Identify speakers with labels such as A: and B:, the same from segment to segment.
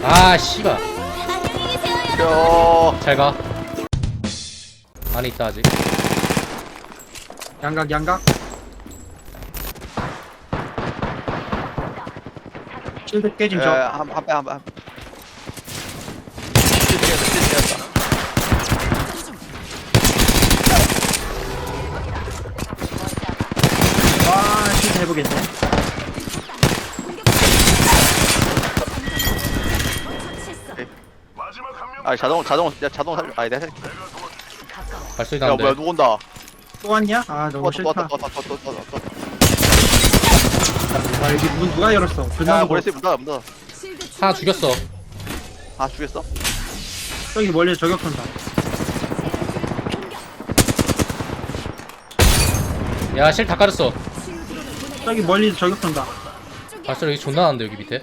A: 아 씨발.
B: 안녕히 계세요.
A: 잘가. 안에 있다 아직.
C: 양각 양각. 실드 깨진 저.
D: 한한 찔렸다.
C: 와 실드 해보겠네.
D: 아 자동 살려. 아니 내가 살릴게.
A: 발소리
D: 야 뭐야
A: 나는데.
D: 누구 온다.
C: 또 왔냐? 아 너무
D: 또 왔다
C: 싫다.
D: 또 왔다 또 왔다.
C: 아 여기 문 누가 열었어?
D: 야
C: 존나 무거워.
D: 모래씨 문 닫아.
A: 하나 죽였어.
D: 아 죽였어?
C: 저기 멀리서 저격 쏜다.
A: 야 실 다 깔았어.
C: 저기 멀리서 저격 쏜다.
A: 발소리 여기 존나 나는데 여기 밑에.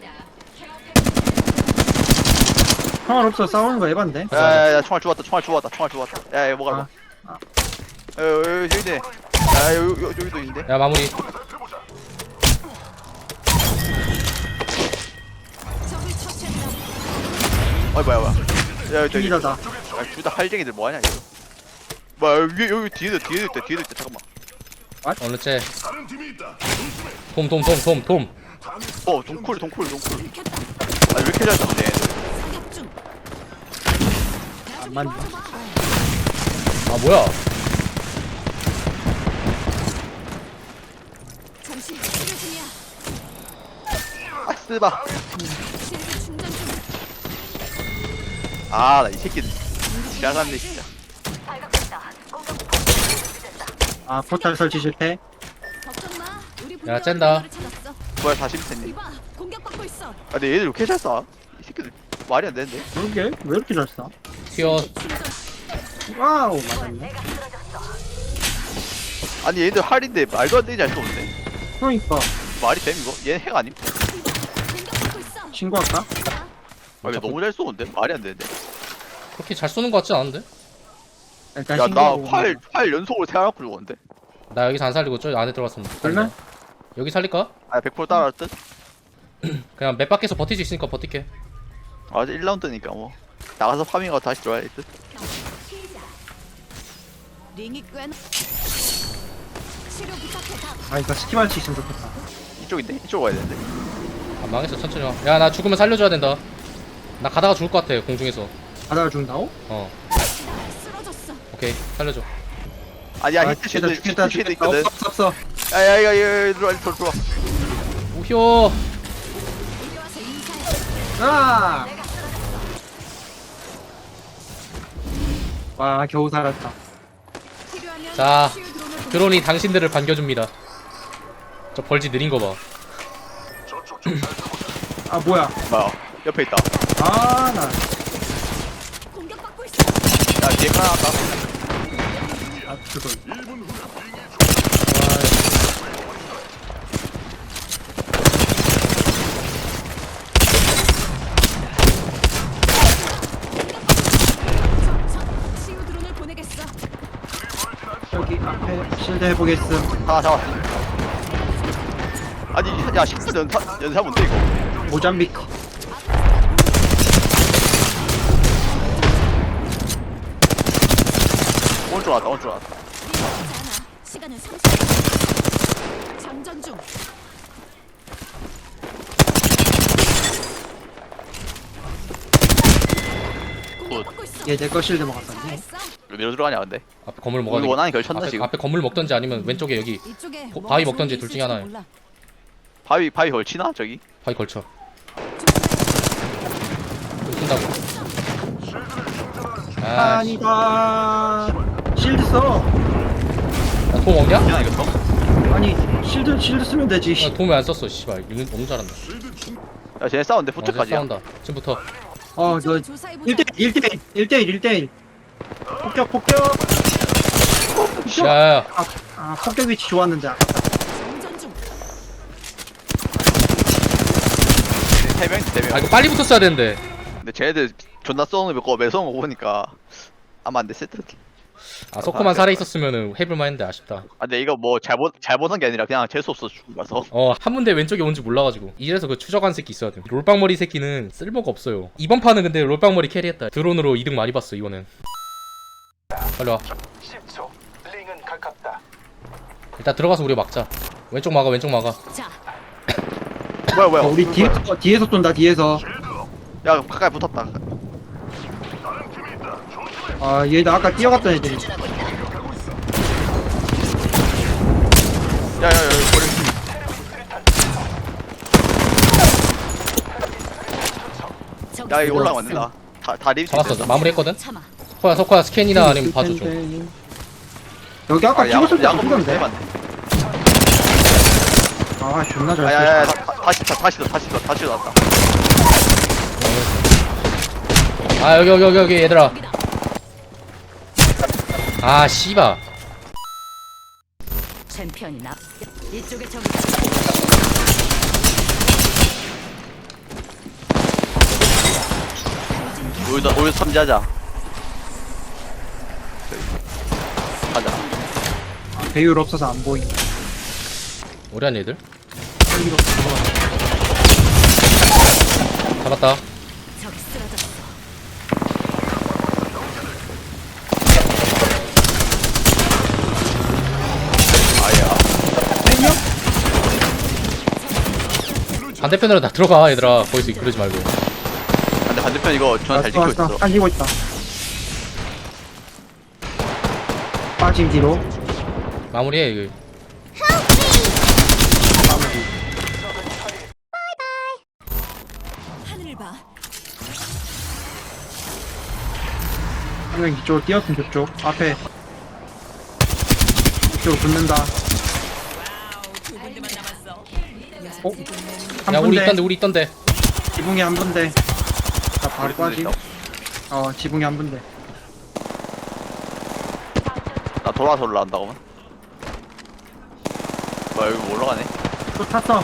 C: 상관없어 싸우는 거 에반데.
D: 야야야 총알 주웠다. 야 이거 뭐가
C: 아,
D: 여기 있네. 야 여기도 있는데.
A: 야 마무리.
D: 어이 뭐야. 야 여기
C: 중이다다.
D: 둘다 할쟁이들 뭐하냐 이거. 뭐야 여기 뒤에도 있다. 잠깐만.
A: 어느 째. 돔.
D: 동쿨. 아 왜 이렇게 잘 쏘네.
C: 안 맞네.
A: 아 뭐야?
B: 잠시 치료 중이야.
D: 아 쓰바.
B: 실드 충전 중.
D: 아나 이 새끼 지랄하네 진짜.
C: 아 포탈 설치 실패.
B: 걱정 마. 우리
A: 야, 쨘다.
B: 찾았어.
D: 뭐야 40cm.
B: 이봐, 공격받고 있어.
D: 아 근데 얘들 왜 이렇게 잘 쏴? 이 새끼들 말이 안 되는데.
C: 그러게 왜 이렇게 잘 쏴?
A: 튀어.
B: 충전.
C: 와우 맞았네.
D: 아니 얘들 할인데 말도 안 되게 잘 쏘는데.
C: 그러니까
D: 말이 됨 이거? 얘는 핵 아님?
B: 공격받고 있어.
C: 신고할까?
D: 아 이거 너무 잘 쏘는데? 말이 안 되는데.
A: 그렇게 잘 쏘는 거 같지 않은데?
C: 일단
D: 야 나
C: 신고하고.
D: 활 연속으로 세워놓고 죽었는데.
A: 나 여기서 안 살리고 저 안에 들어갔으면
C: 그래?
A: 여기 살릴까?
D: 아 100% 따라할 듯?
A: 그냥 맵 밖에서 버틸 수 있으니까 버틸게.
D: 아 이제 1라운드니까 뭐 나가서 파밍하고 다시 들어와야 될 듯?
B: 링이 꽤. 치료 부탁해 다.
C: 아 이거 스킵할 수 있으면 좋겠다.
D: 이쪽인데? 이쪽으로 가야 되는데.
A: 아 망했어 천천히 와. 야 나 죽으면 살려줘야 된다. 나 가다가 죽을 것 같아 공중에서.
C: 바다가 죽는다고?
A: 어
B: 쓰러졌어.
A: 오케이 살려줘.
D: 아니야
C: 아,
D: 히트 쉴드
C: 죽겠다
D: 히트 쉴드
C: 죽겠다.
D: 있거든.
C: 없어.
D: 야야야 야 들어와.
A: 우효.
B: 이리 와서 인사해.
C: 아! 와 겨우 살았다.
B: 필요하면
A: 자,
B: 치유 드론을 보내.
A: 드론이 당신들을 반겨줍니다. 저 벌지 느린 거 봐.
C: 아 뭐야?
D: 뭐야 옆에 있다.
C: 아나
B: 공격받고 있어.
D: 야 뒤에 하나 왔다.
C: 아, 그거.
B: 치유 드론을 보내겠어.
C: 저기 앞에 실드 해보겠음.
D: 하나 잡았어. 아니 야 식스 연사 뭔데 이거?
C: 모잠비크.
D: 오른쪽 왔다.
B: 시간은 30분. 장전 중. 공격받고 있어.
C: 얘 내 거 실드 먹었었네.
B: 잘했어.
D: 어디로 들어가냐 근데?
A: 앞에 건물 먹어야
D: 우리
A: 돼.
D: 원한이 결쳤나
A: 앞에,
D: 지금?
A: 앞에 건물 먹던지 아니면 왼쪽에 여기
B: 이쪽에
A: 고-
B: 뭐가
A: 바위
B: 좋은
A: 먹던지
B: 게
A: 둘 중에
B: 있을지도
A: 하나예요.
B: 몰라.
D: 바위 걸치나 저기?
A: 바위 걸쳐. 쏜다고. 아, 씨.
C: 아니다. 실드 써.
A: 야, 돔 없냐?
D: 그냥 이거 써?
C: 아니 실드 쓰면 되지.
A: 야, 돔 왜 안 썼어? 씨발, 이거 너무 잘한다.
D: 야 쟤네 싸운데
A: 이제
D: 후퇴까지야.
A: 싸운다. 지금부터.
C: 너
B: 조사해보자.
C: 1대1 폭격.
A: 야야야.
C: 아 폭격 위치 좋았는데.
B: 장전 중.
D: 세 명.
A: 아 이거 빨리 붙었어야 되는데.
D: 근데 쟤네들 존나 쏘는 거 매서운 거 보니까 아마 안 됐을 듯.
A: 아 석호만 살아있었으면은 해볼만 했는데 아쉽다.
D: 아 근데 이거 뭐 잘못한 게 아니라 그냥 재수없어 죽은 거라서.
A: 한 문대 왼쪽에 온지 몰라가지고. 이래서 그 추적한 새끼 있어야 돼. 롤빵머리 새끼는 쓸모가 없어요. 이번 판은 근데 롤빵머리 캐리했다. 드론으로 이득 많이 봤어 이거는. 빨리 와.
E: 10초. 링은 가깝다.
A: 일단 들어가서 우리 막자. 왼쪽 막아 왼쪽 막아.
B: 자,
D: 뭐야
C: 우리 뒤에서 쏜다, 뒤에서.
D: 야 가까이 붙었다.
C: 아, 얘들 아까 뛰어갔던 애들이.
D: 야야야 버리.
B: 저기
D: 야 이거
B: 있어.
D: 올라가면 안 된다. 다 리뷰.
A: 잡았어. 마무리했거든.
B: 참아.
A: 석호야 스캔이나 아니면 봐줘줘.
C: 여기 아까 찍었을 때
D: 야구
C: 죽던데.
D: 맞네.
C: 아, 존나 잘
D: 야야야
C: 쏘.
D: 다시 나왔다.
A: 아 여기 얘들아.
B: 저기다.
A: 아 씨바.
B: 챔피언이 나. 이쪽에 저기.
D: 우리 삼지하자. 가자.
C: 배율 없어서 안 보임.
A: 오래한 얘들.
C: 배율 없어서.
A: 잡았다.
B: 저기 쓰러졌어.
D: 아야.
A: 반대편으로 다 들어가 얘들아. 거기서 그러지 말고.
D: 근데 반대편 이거 전화 잘 지키고 있어.
C: 당기고 있다. 빠짐 뒤로.
A: 마무리해 이거.
B: 하늘을 봐.
C: 한 명 이쪽으로 뛰었으면 저쪽. 앞에. 이쪽으로 붙는다. 어?
A: 야
C: 한
A: 우리
C: 분대.
A: 있던데.
C: 지붕이 한 분대. 자, 바로
D: 우리 분대
C: 빠짐.
D: 있다고?
C: 지붕이 한 분대.
D: 나 돌아서 올라간다고만. 뭐야 여기 올라가네.
C: 또 탔어.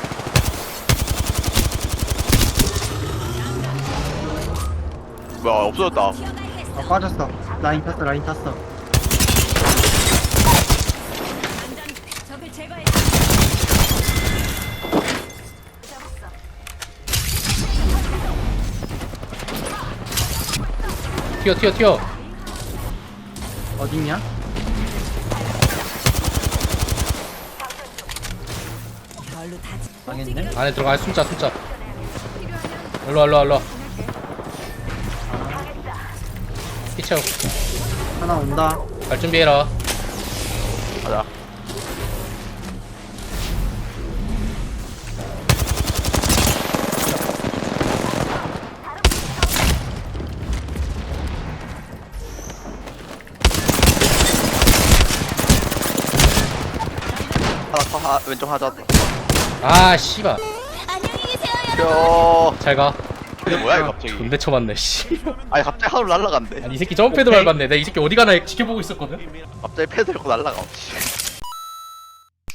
D: 뭐야 없어졌다.
C: 빠졌어. 라인 탔어.
B: 적을 제거해.
A: 튀어.
C: 어딨냐?
B: 별로 다.
C: 망했네.
A: 안에 들어가. 숨자. 일로와. 피쳐.
C: 하나 온다.
A: 갈 준비해라.
D: 가자. 왼쪽 하자.
A: 아 씨바.
B: 안녕히 계세요.
A: 잘 가.
D: 근데 뭐야 이거 갑자기?
A: 존대 쳐맞네 씨.
D: 아니 갑자기 하늘 날라간대.
A: 아니 이 새끼 점프패드
C: 오케이.
A: 밟았네. 내가 이 새끼 어디 가나 지켜보고 있었거든.
D: 갑자기 패드 들고 날라가.